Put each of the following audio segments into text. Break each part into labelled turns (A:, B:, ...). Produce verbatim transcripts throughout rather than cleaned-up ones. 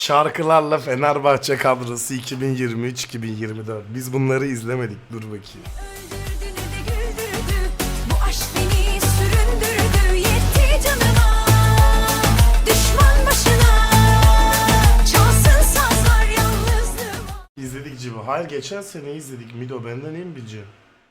A: Şarkılarla Fenerbahçe kadrosu iki bin yirmi üç iki bin yirmi dört. Biz bunları izlemedik. Dur bakayım. İzledik Cibo. Hayır, geçen sene izledik. Mido benden iyi mi bileceğim?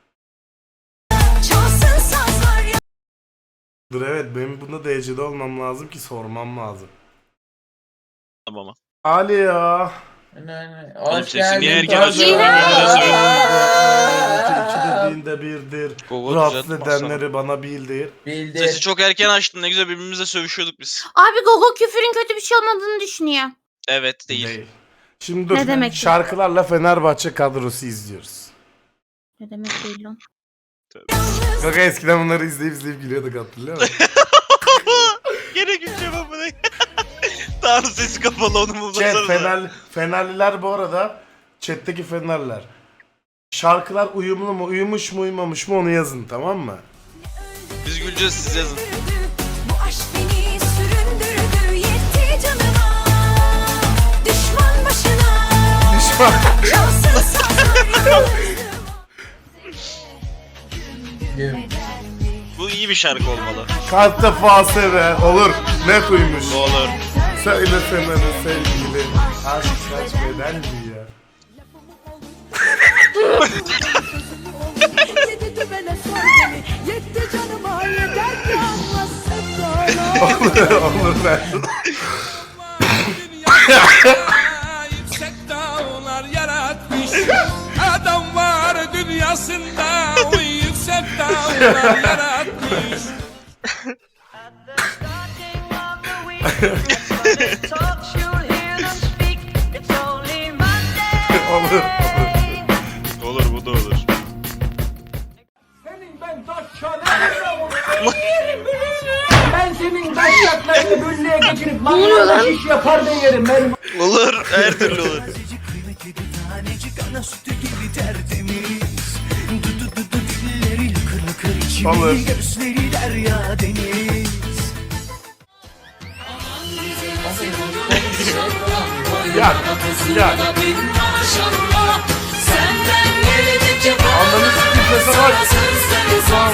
A: Dur, evet, benim bunda D C'de olmam lazım ki sormam lazım.
B: Tamam.
A: Ali ya.
B: Oğlum sesi niye erken
A: açıyorsun?
B: açıyorsun?
A: İki dediğinde birdir.
B: Gogo
A: Rahatsız
B: düzeltme
A: edenleri bana bildir.
B: Sesi
C: Bildir.
B: çok erken açtın, ne güzel birbirimizle sövüşüyorduk biz.
D: Abi Gogo küfürün kötü bir şey olmadığını düşünüyor.
B: Evet değil.
A: Değil. Şimdi dur.
D: Ne demek?
A: Şarkılarla Fenerbahçe kadrosu izliyoruz.
D: Ne demek değil lan?
A: Kaka eskiden bunları izleyip izleyip gülüyorduk, hatırlıyor musun?
B: Gene güleceğim ama ne? Tanrı sesi kapalı, onu
A: Chat,
B: bulmasanıza.
A: Fener, Fenerliler bu arada, chat'teki Fenerliler. Şarkılar uyumlu mu, uyumuş mu, uyumamış mı onu yazın, tamam mı?
B: Biz güleceğiz, siz yazın.
E: Bu aşk beni süründürdü, yetti canıma. Düşman başına.
A: Düşman.
E: Çalsın sazlar
B: Bu iyi bir şarkı olmalı.
A: Kaç defa sever, olur, net uyumuş.
B: Olur.
A: Söyle Fener'in sevgili, aşk kaç beden giyer.
E: Yedi dübele sor beni, yetti canıma, yeter ki anlasın sonra.
A: Olur, olur ben.
F: Yüksek dağlar yaratmış adam var dünyasında, o yüksek dağlar yaratmış.
A: Olur, olur.
B: Olur, bu da olur.
G: Senin ben taşlarını Ben senin taşlarını büllüğe geçirip mangalda şiş yapar da yerim ben.
B: Olur, her türlü olur.
A: Olur. Yak, yak. Anladın mı? Sese bak. Tamam.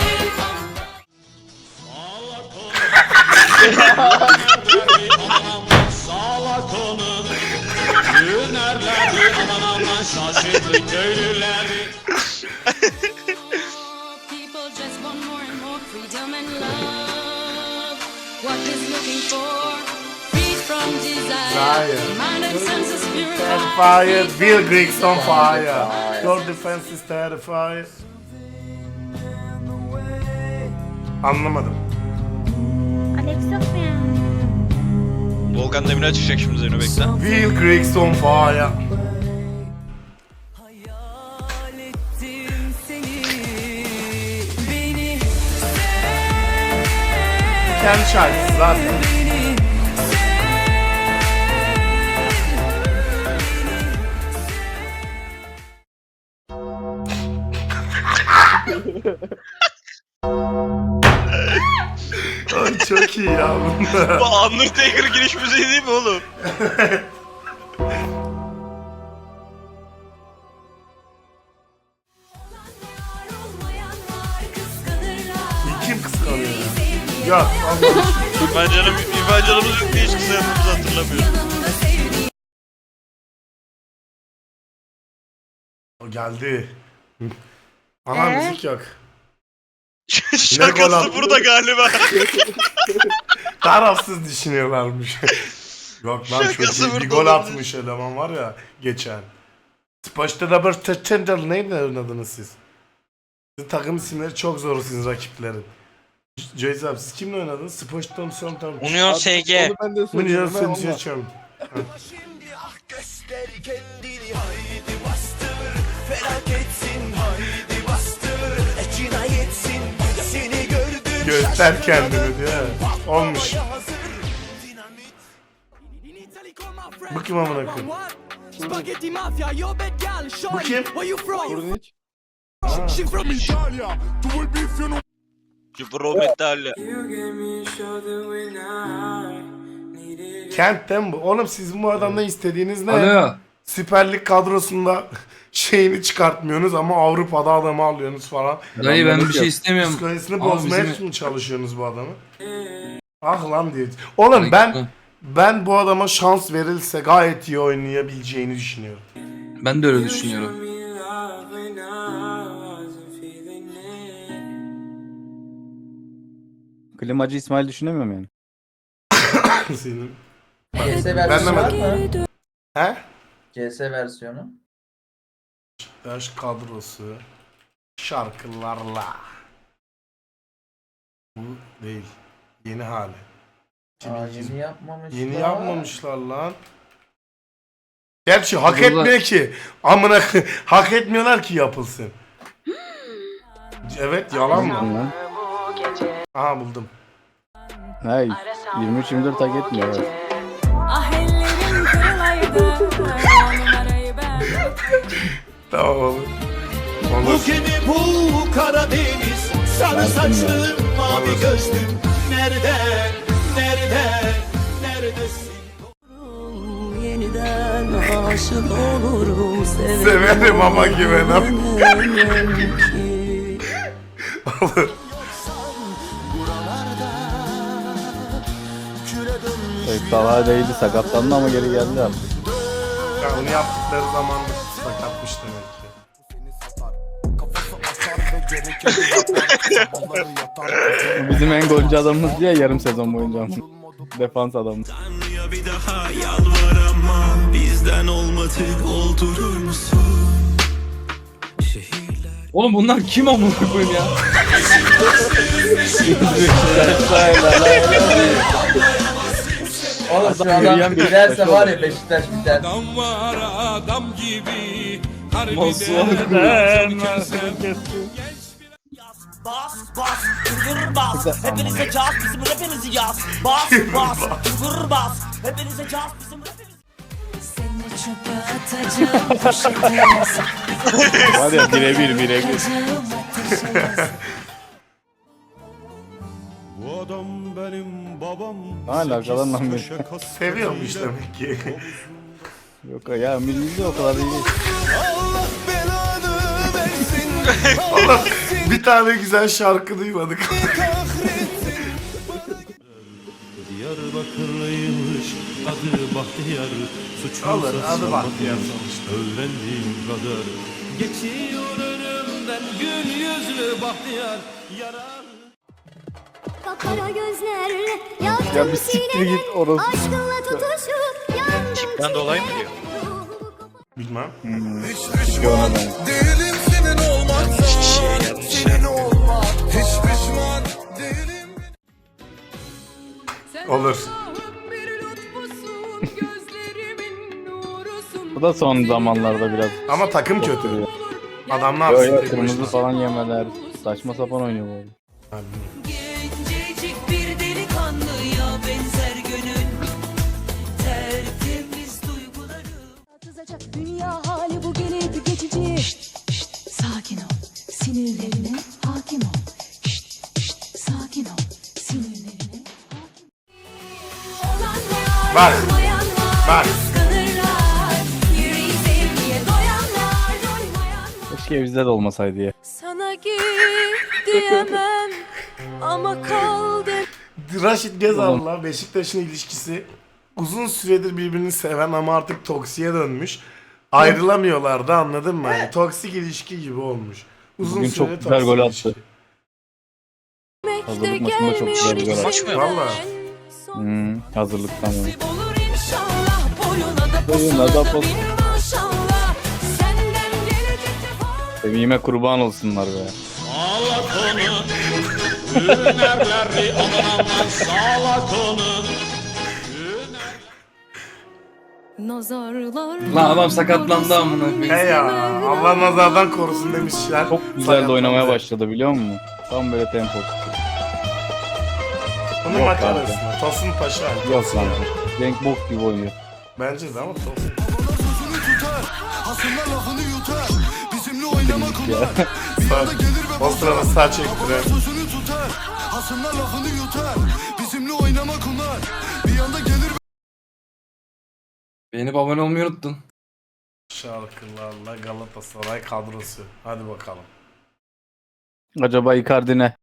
F: Sağlak onun Hünerleri aman aman şaşırdı köylüleri.
E: People just want more and more freedom and love. What is looking for? Freed from desire.
A: Fire.
E: Mind and senses
A: Terrified,
E: purified.
A: Bill Griggs on fire. Your defense is terrified. Anlamadım.
D: Alex yok mu ya?
B: Volkan Demirel çıkacak şimdi, Zeyno bekle.
A: Bill Griggs on fire. Kendi şarkısı zaten. Ay çok iyi ya bunlar.
B: Bu Undertaker giriş müziği değil mi oğlum?
A: Kim kıskanıyor ya? Ya Allah.
B: Ben canım, İrfan canımız yok diye hiç kısayandığımızı hatırlamıyorum.
A: O geldi. Ana
D: Ee?
A: müzik yok. gol
B: Şarkısı
A: attı.
B: burada galiba.
A: Tarafsız düşünüyorlarmış. Yok lan,
B: Şakası
A: çok iyi bir
B: burada
A: gol
B: olabilir.
A: atmış eleman var ya geçen. Spoçta da bir Tendel neydi oynadınız siz? Sizin takım isimleri çok zor sizin rakiplerin. Joyce abi siz kimle oynadınız? Spoçta mı son tam?
B: Union S G.
A: Union sen seçiyorum.
H: Şimdi ah göster kendini haydi bastır felaketsin haydi bastır e, cinayetsin seni gördüm
A: Göster kendini diyor. Olmuş. Bu kim amına koyayım?
G: Spaghetti mafia, yo bad gal,
A: Bu kim?
G: where you from?
A: Ha.
G: She from Italia.
B: Pro Metal.
A: Kentten bu. Oğlum siz bu adamdan istediğiniz ne?
C: Alo.
A: Süper Lig kadrosunda şeyini çıkartmıyorsunuz ama Avrupa'da adamı alıyorsunuz falan.
C: Dayı ben bir şey istemiyorum.
A: Psikolojisini
C: Ama
A: bozmaya
C: bizim-
A: mı çalışıyorsunuz bu adamı? Ah lan diye. Oğlum ben ben bu adama şans verilse gayet iyi oynayabileceğini düşünüyorum.
C: Ben de öyle düşünüyorum.
I: Klimacı İsmail düşünemiyorum yani.
A: Senin.
J: C S
A: Ben
J: versiyonu var
A: de
J: mı?
A: He?
J: C S versiyonu.
A: Yaş kadrosu şarkılarla. Bu değil. Yeni hali.
J: Aa, yeni yapmamışlar.
A: Yeni yapmamışlar lan. Gerçi hak
C: Burada-
A: etmiyor ki. Amına k- hak etmiyorlar ki yapılsın. Evet yalan mı?
I: Lan.
A: Aha buldum.
I: Hayır. yirmi üç yirmi dört hak etmiyor. Evet.
E: Ah ellerim kırılaydı. O numarayı ben.
A: Tamam oğlum.
H: Bu
A: Olur.
H: gemi bu Karadeniz. Sarı saçlım mavi gözlüm. Nerede, nerede, neredesin?
E: Yeniden aşık olurum.
A: Severim ama güvenem. Olur.
I: Evet, Talha değildi, sakatlandı ama geri geldi artık.
A: Ya onu yaptıkları zaman sakatmış demek ki.
I: Bizim en golcü adamımız diye yarım sezon boyunca. Defans adamı.
H: Tanrı'ya bir daha yalvaramam. Bizden olmadık oldurur musun? Şehirler
C: Oğlum bunlar kim amına koyayım ya?
J: Oğlum şu
I: Adam yürüyen
J: adam
I: bir
J: giderse
I: Beşiktaş
J: var
I: olur.
J: ya Beşiktaş biter.
F: Adam var adam gibi.
C: Masuha
F: Harbiden sen
H: Bas bas vur bas. Hepinize caz bizim rapimizi yaz. Bas bas vur bas. Hepinize caz bizim rapimizi.
E: Seni çöpe atacağım. Poşete
I: Var ya birebir birebir.
E: yakacağım ateşe.
F: Bu adam benim babam.
I: Ne alakalı lan benim?
A: Seviyormuş demek ki.
I: Yok ya milli de o kadar iyi değil.
H: Allah belanı versin.
A: Allah bir tane güzel şarkı duymadık.
F: Diyarbakırlıymış adı Bahtiyar. Suçu
A: Olur adı Bahtiyar sonuçta.
F: Öğrendiğim kadar. Geçiyor önümden gül yüzlü Bahtiyar. Yarar.
E: Kapara gözlerle
I: Ya bir siktir git orası.
E: aşkınla tutuşup yandım.
B: Tipten dolayı mı diyor?
A: Bilmem.
H: Hiç pişman değilim senin olmaktan. Senin olmak. Hiç pişman değilim.
A: Olur.
I: Bu da son zamanlarda biraz.
A: Ama takım kötü. Adam ne
I: Yo
A: yapsın?
I: yo
A: tek
I: kırmızı
A: başına?
I: falan yemeler. Saçma sapan oynuyor bu arada.
A: Ha, bilmiyorum.
E: Gencecik bir delikanlıya benzer gönül. Tertemiz duyguları. Atılacak dünya hali bu gelip geçici. Şşt, şşt, sakin ol. Sinirlerine hakim ol. Şşt, şşt, sakin ol. Sinirlerine hakim ol. Olanlar,
A: Bak,
E: olmayanlar,
A: bak.
E: kıskanırlar. Yüreği sevgiye doyanlar, doymayanlar.
I: Keşke bizde de olmasaydı ya.
E: Sana git diyemem ama kal de.
A: Raşit Gezal'la Beşiktaş'ın ilişkisi uzun süredir birbirini seven ama artık toksiye dönmüş. Ayrılamıyorlardı anladın mı? Yani toksik ilişki gibi olmuş. Uzun
I: Bugün
A: süre
I: çok güzel gol
A: toksik
I: attı.
E: Hazırlık
I: Hazırlık maçında çok güzel bir gol
B: Maç mı yaptı?
A: Valla.
I: Hmm, hazırlıktan yani.
E: Olur inşallah boyuna da
I: Boyuna da
E: posuna da
I: pos-
E: bir maşallah. Senden gelecek de
I: Sevime kurban olsunlar be.
F: Salak onu. Hünerleri aman salak onu.
E: nazarlar.
C: Lan adam sakatlandı amına koyayım.
A: He ya Allah nazardan korusun demişler.
I: Çok güzel de oynamaya başladı biliyor musun? Tam böyle tempo.
A: Bunun
I: Yok
A: makarasına. Tosun Paşa.
I: Yok lan. Genk bok gibi oynuyor.
A: Bence de ama Tosun.
H: Hasımlar lafını yutar. Bizimle oynamak ular.
A: Sağ, o sırada sağ çektiren.
H: Sözünü tutar. Hasımlar lafını yutar. Bizimle oynamak ular. Bir anda gelir
C: Beğenip abone olmayı unuttun.
A: Şarkılarla Galatasaray kadrosu. Hadi bakalım.
I: Acaba Icardi ne?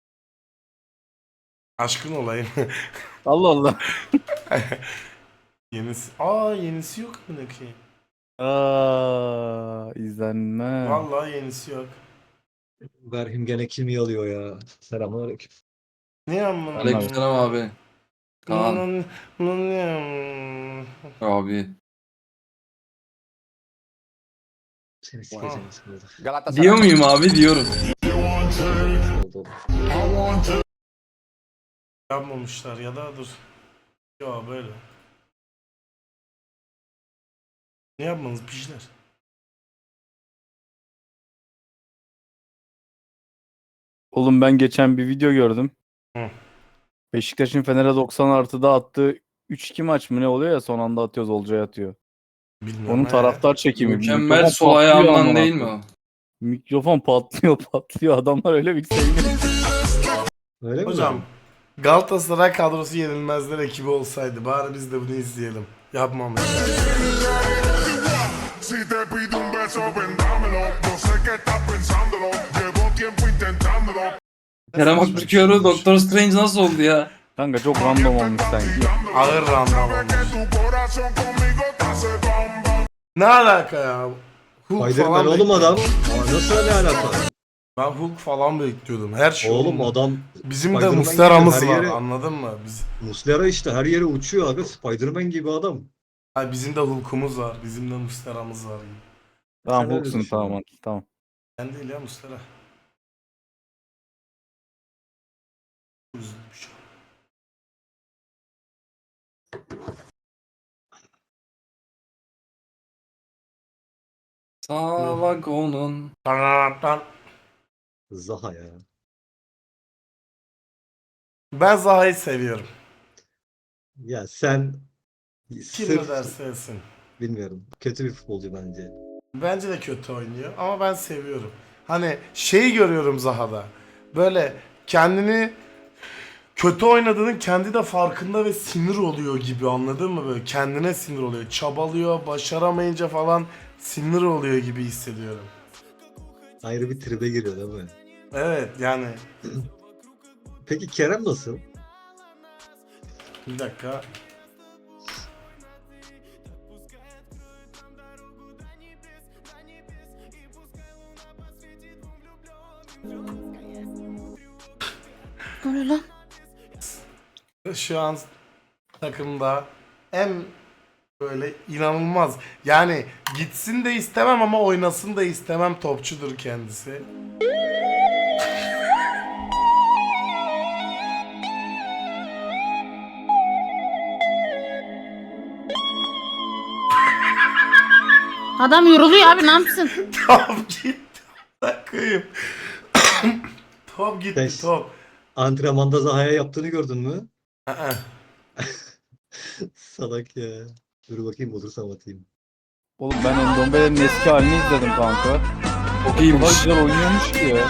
A: Aşkın olayım.
I: Allah Allah.
A: Yenisi. Aa yenisi yok mu ne ki?
I: Aa, izlenme.
A: Vallahi yenisi yok.
F: Berhim gene kimi alıyor ya? Selamünaleyküm.
A: Ne yapmadın?
C: Aleykümselam abi. Kaan
A: Bunun- bunun ne-
C: abi.
F: Seni sikeceğim sıkıldı.
C: Diyor muyum abi? Diyorum.
F: Oldu.
A: Yapmamışlar ya da dur. Ya böyle. Ne yapmanız pişler?
I: Oğlum ben geçen bir video gördüm.
A: Hı.
I: Beşiktaş'ın Fener'e doksan artıda attığı üç iki maç mı ne oluyor ya, son anda atıyoruz Olcay'a atıyor.
A: Bilmiyorum.
I: Onun
A: he.
I: taraftar çekimi.
C: Mükemmel
I: Mikrofon
C: sol
I: patlıyor
C: ayağından
I: amına
C: değil mi
I: koyayım.
C: o?
I: Mikrofon patlıyor patlıyor, adamlar öyle bir seviniyor.
F: Öyle mi?
A: Hocam Galatasaray kadrosu yenilmezler ekibi olsaydı bari biz de bunu izleyelim. Yapmamışlar.
K: Si te pido un beso, vendámelo. No sé qué estás pensándolo. Llevo tiempo intentándolo.
C: Kerem Aktürkoğlu Doktor Strange nasıl oldu ya?
I: Kanka çok random olmuş sanki.
A: Ağır random olmuş.
K: Tu corazón conmigo te hace bam bam.
A: Ne alaka ya? Hulk
F: Spiderman
A: falan
F: oğlum
A: bekliyordum.
F: adam. Aa, nasıl öyle alaka?
A: Ben Hulk falan bekliyordum. Her şey
F: Oğlum
A: oldu.
F: adam
A: Bizim de
F: Spiderman
A: Muslera'mız
F: gibi her
A: var.
F: yere-
A: Anladın mı? Biz,
F: Muslera işte her yere uçuyor abi. Spiderman gibi adam.
A: Ay, bizim de Hulk'umuz var. Bizim de Muslera'mız var.
I: Tamam
F: Sen öyle
I: Hulk'sun,
F: düşün.
I: tamam hadi, tamam.
A: Ben değil ya Muslera. Üzülmüş.
C: Sağ vagonun.
A: Tarararartar.
F: Zaha ya.
A: Ben Zaha'yı seviyorum.
F: Ya sen
A: Kim
F: sırf
A: ne derse etsin.
F: bilmiyorum. Kötü bir futbolcu bence.
A: Bence de kötü oynuyor ama ben seviyorum. Hani şeyi görüyorum Zaha'da. Böyle kendini kötü oynadığının kendi de farkında ve sinir oluyor gibi, anladın mı? Böyle kendine sinir oluyor. Çabalıyor, başaramayınca falan sinir oluyor gibi hissediyorum.
F: Ayrı bir tribe giriyor değil mi?
A: Evet yani
F: Peki Kerem nasıl?
A: bir dakika.
D: Ne oluyor lan?
A: Şu an takımda en böyle inanılmaz. Yani gitsin de istemem ama oynasın da istemem topçudur kendisi.
D: Adam yoruluyor abi, ne yapsın?
A: Top gitti. Bakayım. Top gitti
F: Beş.
A: top.
F: Antrenmanda Zaha'ya yaptığını gördün mü?
A: Aa,
F: Salak ya. Dur bakayım bulursam atayım.
I: Oğlum ben Endombele'nin eski halini izledim kanka.
C: Çok
I: O kadar
C: iyiymiş.
I: güzel oynuyormuş ki ya.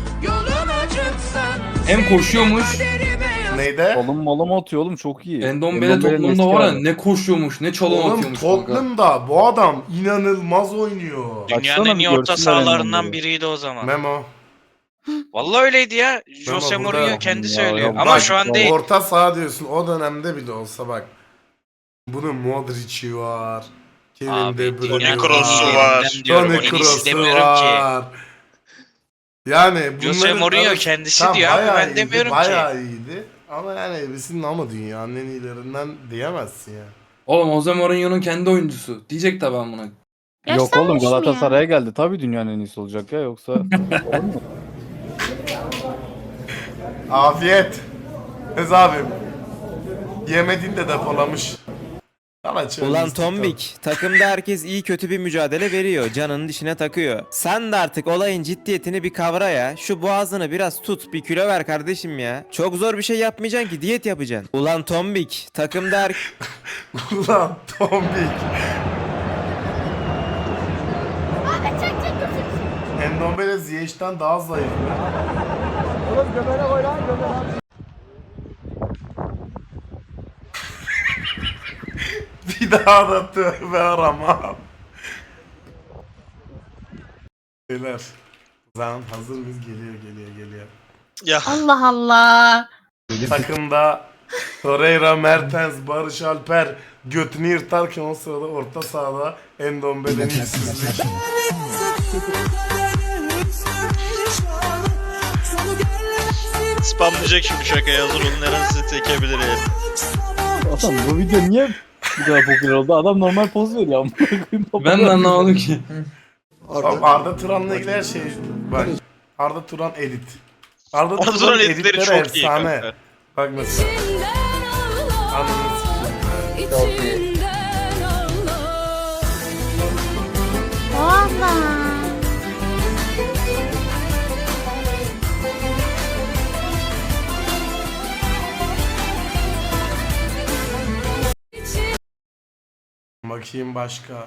C: Hem koşuyormuş.
A: Neydi?
I: Kolum molum atıyor oğlum, çok iyi.
C: Endombele
I: Endombele'nin
C: Tottenham'da
I: eski
C: var ya
I: hali.
C: ne koşuyormuş ne çalım
A: Oğlum
C: atıyormuş kanka.
A: Tottenham'da bu adam inanılmaz oynuyor.
I: Baksana
B: Dünyanın en
I: bir
B: iyi orta
I: görsünler
B: sahalarından
I: Endombele'yi.
B: biriydi o zaman.
A: Memo.
B: Vallahi öyleydi ya. Jose
A: Ama burada-
B: Mourinho kendi
I: Ya,
B: söylüyor.
I: ya,
B: Ama
A: Bak,
B: şu an değil.
A: Orta saha diyorsun, o dönemde bile olsa bak. Bunun Modric'i var. Kevin
B: Abi,
A: De Bruyne
B: Toni
A: var.
B: Kroos'u var. Diyorum,
A: Toni
B: en iyisi
A: Kroos'u
B: demiyorum ki.
A: var. Yani bunların
B: Jose Mourinho
A: arası-
B: kendisi
A: Tam
B: diyor abi,
A: bayağı
B: ben
A: iyiydi,
B: demiyorum ki.
A: bayağı iyiydi. Ama yani bizim ama dünyanın en iyilerinden diyemezsin ya.
C: Oğlum Jose Mourinho'nun kendi oyuncusu. Diyecek tabi ben buna.
I: Yok
D: Yaşlanmış
I: oğlum,
D: mı ya?
I: Galatasaray'a geldi. Tabii dünyanın en iyisi olacak ya, yoksa olur mu?
A: Afiyet. Ez abim. Yemediğin de depolamış. Sana çözdüm.
L: Ulan Tombik, takımda herkes iyi kötü bir mücadele veriyor, canının dişine takıyor. Sen de artık olayın ciddiyetini bir kavra ya. Şu boğazını biraz tut, bir kilo ver kardeşim ya. Çok zor bir şey yapmayacaksın ki, diyet yapacaksın. Ulan Tombik, takımda her...
A: Ulan Tombik. Endombele Ziyech'ten daha zayıf.
G: Oğlum göbeğine koy lan göbeğine.
A: Bir Bir daha da tövbe aramam. Beyler. Zaman hazır mıyız? Geliyor geliyor geliyor.
B: Ya
D: Allah Allah.
A: Takımda Torreira, Mertens, Barış Alper götünü yırtarken o sırada orta sahada Endombele'nin işsizlik.
B: spamlayacak şimdi şakaya hazır olun. Eren sizi tekebilir yani.
I: Adam bu video niye bu kadar popüler oldu? Adam normal poz veriyor amına koyayım.
C: Ben de anlamadım ki.
A: Arda, Arda Turan'la ilgili her şey bak. Arda Turan edit. Arda,
B: Arda
A: Turan
B: Turan editleri
A: editleri
B: çok iyi
A: efsane.
B: kanka.
A: Bak mesela. Anladınız.
J: Çok iyi.
D: Allah.
A: Bakayım başka.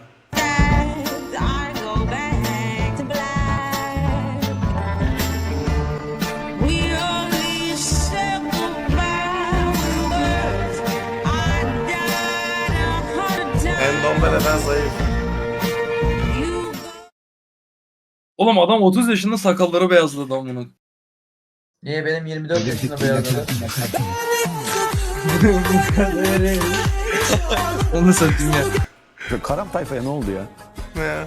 A: Endombele'den zayıf.
C: Oğlum adam otuz yaşında sakalları beyazladı amına.
J: Niye benim yirmi dört yaşında beyazladı?
C: Onu satayım ya.
I: Karam tayfaya ne oldu ya?
A: Ne ya?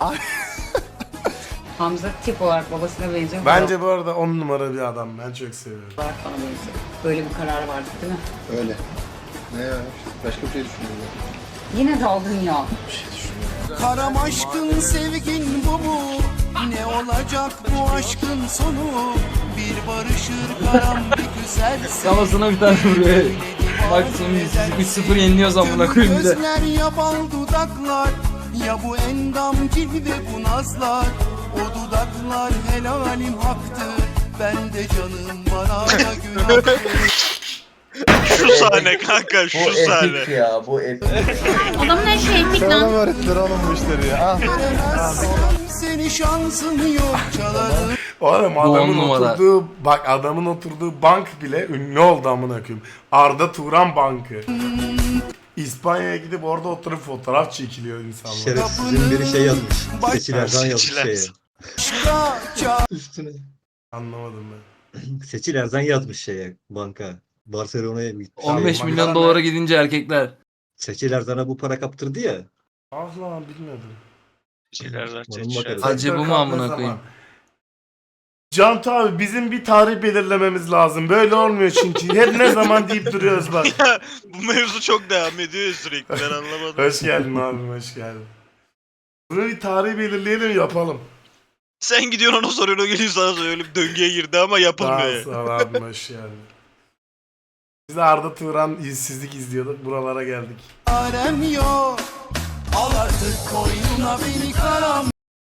E: Hamza tip olarak babasına benziyor.
A: Bence bu arada on numara bir adam. Ben çok seviyorum.
E: Olarak bana benziyor. Böyle bir karar vardı değil mi?
K: Öyle. Ne ya? Başka bir şey düşünüyorum.
E: Yine daldın ya.
H: Karam aşkın sevgin bu mu? Ne olacak bu aşkın sonu? Bir barışır karam bir güzel
C: Kafasına bir tane vuruyor. Bak sonra üç sıfır yeniliyoruz amına koyayım bir de.
H: gözler ya bal dudaklar. Ya bu endam cilve bu nazlar. O dudaklar helalim haktır. Ben de canım bana da günahtır.
B: Şu sahne kanka
J: Bu
B: şu sahne.
J: epik ya bu epik.
D: Adamın her şeyi epik lan.
K: öğrettiler oğlum bu işleri ya.
H: Seni şansın yok çalarım.
A: Oğlum
C: on
A: adamın
C: numara.
A: oturduğu bak adamın oturduğu bank bile ünlü oldu amına koyayım. Arda Turan Bankı. İspanya'ya gidip orada oturup fotoğraf çekiliyor insanlar.
F: Şerefsizin biri şey yazmış. Seçilerden yazmış
B: Seçiler.
F: şeye.
H: Aşka
F: Üstüne.
A: Anlamadım ben.
F: Seçil Erzan yazmış şeye banka. Barcelona'ya gitmiş.
C: on beş
A: Şey,
C: milyon
A: makara
C: dolara
A: ne?
C: gidince erkekler.
F: Seçil Erzan'a bu para kaptırdı ya.
A: Ah lan bilmiyordum.
B: Şeyler zaten
F: Onun
B: şeyler.
F: bakarız.
C: Acı bu mu
A: Sektör
C: amına
A: kaldığı
C: koyayım?
A: zaman. Cantu abi bizim bir tarih belirlememiz lazım. Böyle olmuyor çünkü. Hep ne zaman deyip duruyoruz bak.
B: Bu mevzu çok devam ediyor ya sürekli ben anlamadım.
A: Hoş geldin abim hoş geldin. Bunu bir tarih belirleyelim yapalım.
B: Sen gidiyorsun ona soruyorsun o geliyor sana söylüyor. Öyle bir döngüye girdi ama yapılmıyor.
A: Daha
B: yani.
A: sağ ol abim hoş geldin. Biz de Arda Turan işsizlik izliyorduk. Buralara geldik.
H: Arem yok. Al artık koynuna beni karam.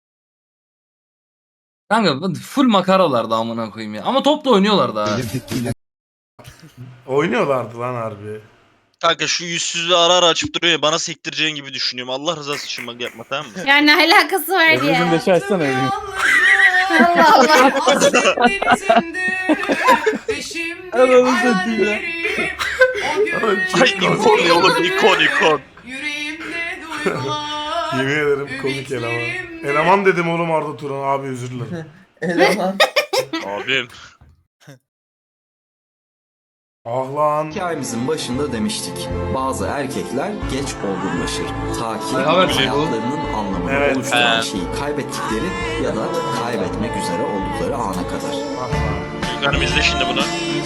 C: Kanka full makaralardı amına koyayım ya. Ama top da oynuyorlardı ha.
A: Oynuyorlardı lan harbi.
B: Kanka şu yüzsüzlüğü ara ara açıp duruyor ya bana sektireceğin gibi düşünüyorum. Allah rızası için bak yapma tamam mı?
D: Yani ne alakası var
I: Evrim'in
D: ya.
I: de şey açsana Evrim.
D: Allah Allah.
C: Ananı satayım ya.
B: Ay ikon oğlum ikon ikon.
A: Yemin ederim komik eleman. Eleman dedim oğlum Arda Turan abi özür dilerim.
J: Eleman.
B: Abim.
A: Ah lan.
H: Hikayemizin başında demiştik. Bazı erkekler geç olgunlaşır. Ta ki
C: Ne haber şey bu?
H: hayatlarının anlamını
A: Evet.
H: oluşturan
B: He.
H: şeyi kaybettikleri ya da kaybetmek üzere oldukları ana kadar.
A: Ah lan.
B: Çocuklarım izle şimdi bunu.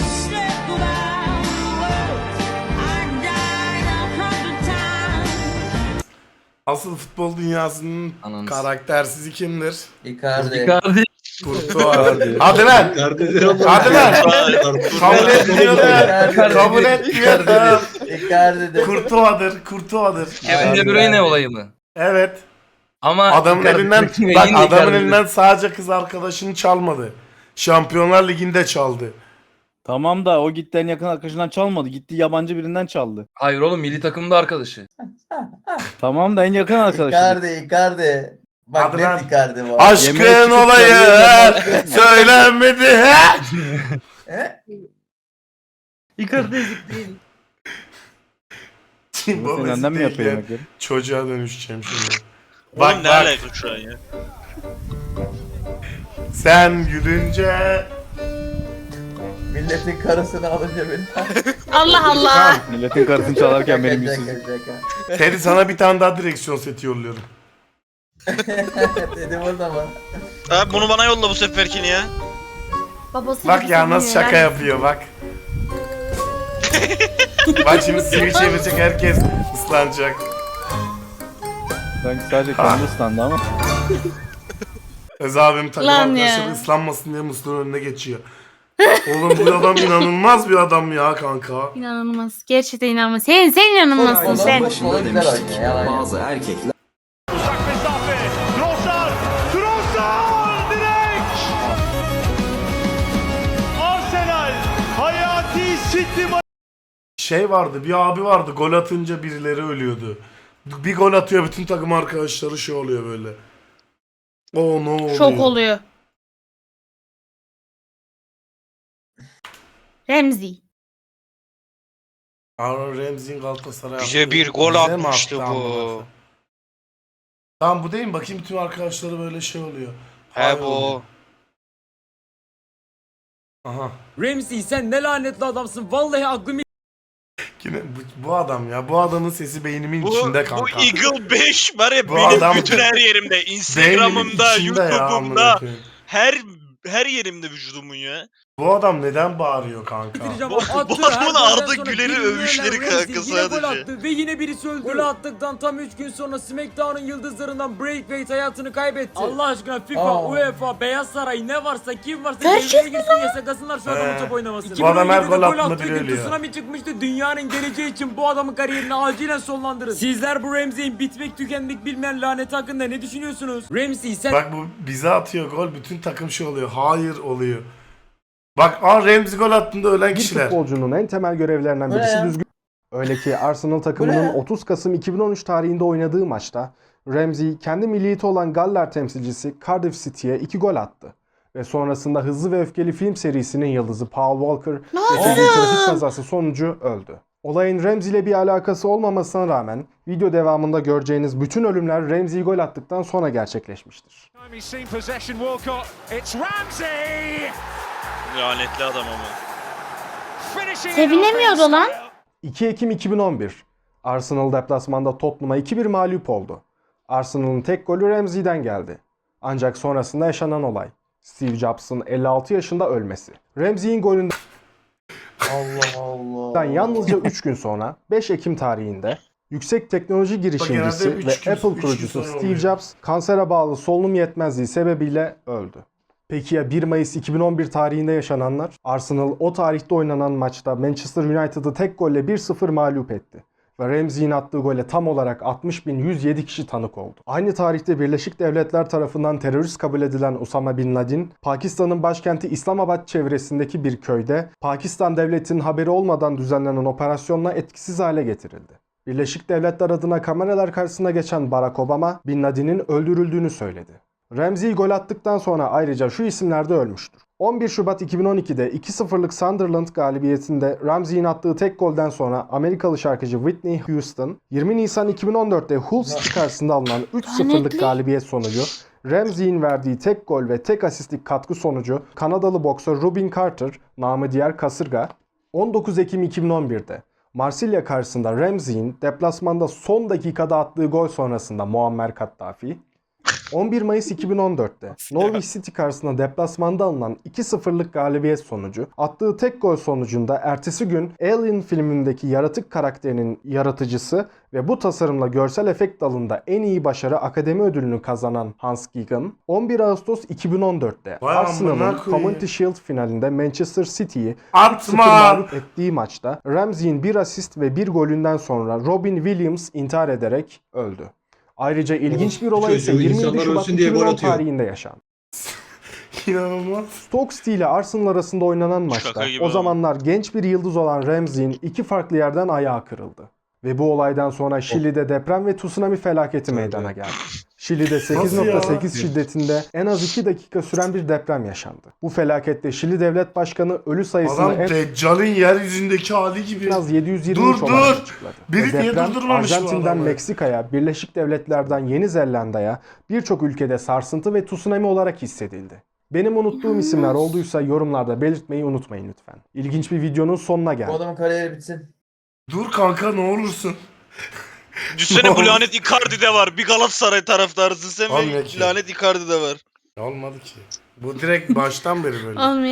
A: Asıl futbol dünyasının
C: Ananı
A: karaktersizi kimdir?
J: Icardi.
C: Icardi.
A: Kurtuğa. Hadi lan. Hadi lan. Kabul etmiyorum. Kabul etmiyorum.
J: Icardi de.
A: Kurtuğadır. Kurtuğadır.
C: Kevin De Bruyne olayı mı?
A: Evet.
C: Ama
A: Adamın
C: Icardi-
A: elinden
C: yine
A: bak adamın
C: Icardi.
A: elinden sadece kız arkadaşını çalmadı. Şampiyonlar Ligi'nde çaldı.
I: Tamam da o gitti en yakın arkadaşından çalmadı. Gitti yabancı birinden çaldı.
C: Hayır oğlum milli takımda arkadaşı.
I: Tamam da en yakın arkadaşı.
J: Icardi, Icardi. Bak
A: Hadi lan.
J: net Icardi bu.
I: Yemeğe
A: Aşkın
I: çıkıp
A: olayı
I: söylüyor.
A: söylenmedi. he?
J: He?
C: Icardi ezik değil.
A: Şimdi
I: Senin
A: babası
I: annen mi
A: değil
I: yapıyor
A: ya.
I: yemekleri?
A: Çocuğa dönüşeceğim şimdi.
B: Oğlum ne alaka şu an ya?
A: Sen gülünce
J: Milletin karısını alınca beni.
D: Allah Allah.
I: Milletin karısını çalarken benim
J: Şaka,
I: yüzsüzlüğüm.
J: şaka, şaka.
A: Teddy sana bir tane daha direksiyon seti yolluyorum.
J: Dedim orada mı?
B: Abi bunu bana yolla bu seferkini ya.
D: Babası
A: Bak
D: gibi
A: ya nasıl
D: seviyor,
A: şaka
D: yani.
A: yapıyor bak. Bak şimdi sivri çevirecek herkes ıslanacak.
I: Sanki sadece kendi ıslandı ama.
A: Ez abim takım
D: Lan
A: arkadaşları
D: ya.
A: ıslanmasın diye musluğun önüne geçiyor. Oğlum bu adam inanılmaz bir adam ya kanka.
D: İnanılmaz. Gerçekten inanılmaz. Sen, sen inanılmazsın
J: Onun
D: sen.
J: başında güzel oynuyor. Yalan yok.
K: Bazı erkekler
H: Trossard! Trossard! Direkt! Arsenal! Hayati City
A: Şey vardı, bir abi vardı, gol atınca birileri ölüyordu. Bir gol atıyor, bütün takım arkadaşları şey oluyor böyle. O ne oluyor?
D: Şok oluyor. Remzi.
A: Aaron Ramsey'in Galatasaray
B: Bize
A: attığı-
B: bir gol
A: Bize mi
B: atmıştı
A: attı
B: bu?
A: amına koyayım? Tamam bu değil mi? Bakayım bütün arkadaşları böyle şey oluyor.
B: He
A: Hayır
B: bu.
A: oluyor. Aha.
C: Ramsey sen ne lanetli adamsın. Vallahi aklım
A: Yine bu, bu adam ya. Bu adamın sesi beynimin
B: Bu,
A: içinde
B: bu
A: kanka.
B: Eagle beş var ya
A: Bu
B: benim
A: adam-
B: bütün her yerimde.
A: Beynimin
B: Instagram'ımda,
A: içinde ya, amına
B: YouTube'umda,
A: koyayım.
B: her her yerimde vücudumun ya.
A: Bu adam neden bağırıyor kanka?
B: Bu- bu adamın Arda Güler'i övüşleri kanka sadece.
C: attı ve yine birisi öldü. Gol attıktan tam üç gün sonra SmackDown'un yıldızlarından Bray Wyatt hayatını kaybetti. Allah aşkına FIFA,
J: Aa.
C: UEFA, Beyaz Saray ne varsa kim varsa
D: Gerçek
C: devreye girsin yasaklasınlar şu adamın
A: Ee,
C: top oynamasını.
A: bu adam her
C: iki bin on yedide
A: gol attığında
C: attığı
A: biri
C: gün
A: ölüyor.
C: Tsunami çıkmıştı. Dünyanın geleceği için bu adamın kariyerini acilen sonlandırın. Sizler bu Ramsey'in bitmek tükenmek bilmeyen laneti hakkında ne düşünüyorsunuz? Ramsey sen
A: Bak bu bize atıyor gol, bütün takım şey oluyor. Hayır oluyor. Bak aa Ramsey gol attığında ölen
M: Bir
A: kişiler.
M: futbolcunun en temel görevlerinden
J: Bu ne
M: birisi
J: ya?
M: düzgün. Öyle ki Arsenal
J: Bu
M: takımının
J: ne?
M: otuz Kasım iki bin on üç tarihinde oynadığı maçta Ramsey kendi milliyeti olan Galler temsilcisi Cardiff City'ye iki gol attı. Ve sonrasında Hızlı ve Öfkeli film serisinin yıldızı Paul Walker yaşadığı trafik kazası sonucu öldü. Olayın Ramsey ile bir alakası olmamasına rağmen video devamında göreceğiniz bütün ölümler Ramsey gol attıktan sonra gerçekleşmiştir.
B: Lanetli adam ama.
D: Sevinemiyordu lan.
M: iki Ekim iki bin on bir. Arsenal deplasmanda Tottenham'a iki bir mağlup oldu. Arsenal'ın tek golü Ramsey'den geldi. Ancak sonrasında yaşanan olay. Steve Jobs'ın elli altı yaşında ölmesi. Ramsey'in golünden
J: Allah Allah.
M: yalnızca üç gün sonra beş Ekim tarihinde yüksek teknoloji girişimcisi
A: genelde üç
M: ve
A: gün-
M: Apple
A: üç gün
M: kurucusu
A: sonra
M: Steve
A: oluyor.
M: Jobs kansere bağlı solunum yetmezliği sebebiyle öldü. Peki ya bir Mayıs iki bin on bir tarihinde yaşananlar? Arsenal o tarihte oynanan maçta Manchester United'ı tek golle bir sıfır mağlup etti. Ve Ramsey'in attığı gole tam olarak altmış bin yüz yedi kişi tanık oldu. Aynı tarihte Birleşik Devletler tarafından terörist kabul edilen Osama Bin Laden, Pakistan'ın başkenti İslamabad çevresindeki bir köyde Pakistan devletinin haberi olmadan düzenlenen operasyonla etkisiz hale getirildi. Birleşik Devletler adına kameralar karşısına geçen Barack Obama, Bin Laden'in öldürüldüğünü söyledi. Ramsey gol attıktan sonra ayrıca şu isimler de ölmüştür. on bir Şubat iki bin on ikide iki sıfırlık Sunderland galibiyetinde Ramsey'in attığı tek golden sonra Amerikalı şarkıcı Whitney Houston, yirmi Nisan iki bin on dörtte Hull City karşısında alınan üç sıfırlık
D: Lanetli.
M: galibiyet sonucu, Ramsey'in verdiği tek gol ve tek asistlik katkı sonucu Kanadalı boksör Robin Carter, namı diğer Kasırga, on dokuz Ekim iki bin on birde Marsilya karşısında Ramsey'in deplasmanda son dakikada attığı gol sonrasında Muammer Kaddafi, on bir Mayıs iki bin on dörtte Norwich City karşısında deplasmanda alınan iki sıfırlık galibiyet sonucu, attığı tek gol sonucunda ertesi gün Alien filmindeki yaratık karakterinin yaratıcısı ve bu tasarımla görsel efekt dalında en iyi başarı akademi ödülünü kazanan Hans Gigan, on bir Ağustos iki bin on dörtte
A: Vay amına
M: Arsenal'ın
A: koyayım.
M: Community Shield finalinde Manchester City'yi üç sıfır
A: Atma!
M: mağlup ettiği maçta Ramsey'in bir asist ve bir golünden sonra Robin Williams intihar ederek öldü. Ayrıca ilginç bir olay ise
F: Çocuğu
M: yirmi yedi
F: insanlar
M: Şubat
F: ölsün diye
M: iki bin
F: gol
M: on
F: atıyor.
M: tarihinde yaşandı.
A: İnanılmaz.
M: Stoke City ile Arsenal arasında oynanan maçta
B: Şaka gibi
M: o
B: ama.
M: zamanlar genç bir yıldız olan Ramsey'in iki farklı yerden ayağı kırıldı. Ve bu olaydan sonra Şili'de deprem ve tsunami felaketi meydana geldi. Şili'de sekiz nokta sekiz şiddetinde en az iki dakika süren bir deprem yaşandı. Bu felakette Şili Devlet Başkanı ölü sayısını
A: Adam
M: en
A: Deccal'in yeryüzündeki hali gibi.
M: az yedi yüz yirmi üç
A: Dur,
M: olarak
A: dur.
M: açıkladı.
A: Biri
M: Ve
A: niye
M: deprem
A: durdurmamış bu
M: Arjantin'den
A: adamı?
M: Meksika'ya, Birleşik Devletler'den Yeni Zelanda'ya birçok ülkede sarsıntı ve tsunami olarak hissedildi. Benim unuttuğum isimler olduysa yorumlarda belirtmeyi unutmayın lütfen. İlginç bir videonun sonuna
J: Bu
M: geldik.
J: adamın kariyeri bitsin.
A: Dur kanka ne olursun.
B: Düşünsene bu lanet Icardi'de var. Bir Galatasaray taraftarısın sen
A: Olmuyor
B: ve
A: ki.
B: lanet Icardi'de var.
A: Olmadı ki. Bu direkt baştan beri böyle.
D: Olmuyor.